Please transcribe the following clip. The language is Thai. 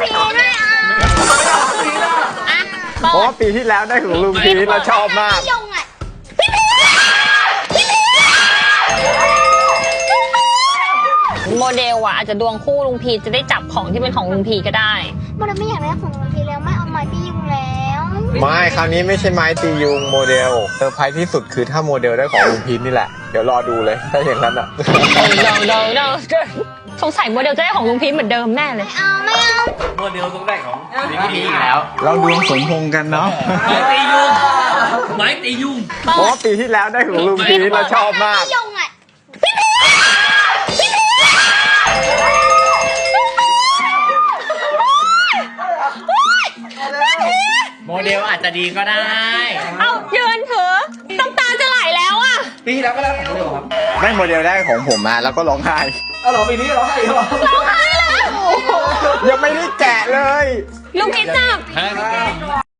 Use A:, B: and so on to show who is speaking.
A: พีด้วยอ่ะ
B: เพราะว่าปีที่แล้วได้ของลุงพีทเราชอบมาก
A: ยงอ่ะ
C: โมเดลอะอาจจะดวงคู่ลุงพีจะได้จับของที่เป็นของลุงพีก็ได้
A: โมเดลไม่อยากได้ของลุงพีแล้วไม่เอาไม้พี่ยุงแล้ว
B: ไม่คราวนี้ไม่ใช่ไม้ตียุงโมเดลเซอร์ไพรส์ที่สุดคือถ้าโมเดลได้ของลุงพีทนี่แหละเดี๋ยวรอดูเลยถ้าอย่างนั้นอ่ะ
C: no สงสัยโมเดลจะได้ของลุงพีเหมือนเดิมแน่เลย
A: ไม่เอา
D: โมเดลต้องได้ของลิงพีอีกแล้ว
B: เราดวงสมพงษ์กันเนาะ
D: ไม้ตียุงไม้ตียุง
B: เพราะว่าปีที่แล้วได้ของลุงพีทเราชอบมาก
A: ยงอ่ะ
D: โมเดลอาจจะดีก็ได้
C: เอายืนเถอะน้ำตาจะไหลแล้วอะ
D: ปีที่แล้วก็ได้ของโมเดลครับ
B: ได้โมเดลได้ของผมมาแล้วก็ร้องไห้
D: เอาเหรอปีนี้ร้องไห้เหรอ
C: ร้องไห้แล้ว
B: ยังไม่ได้แกะเลย
C: ลุงพีจับ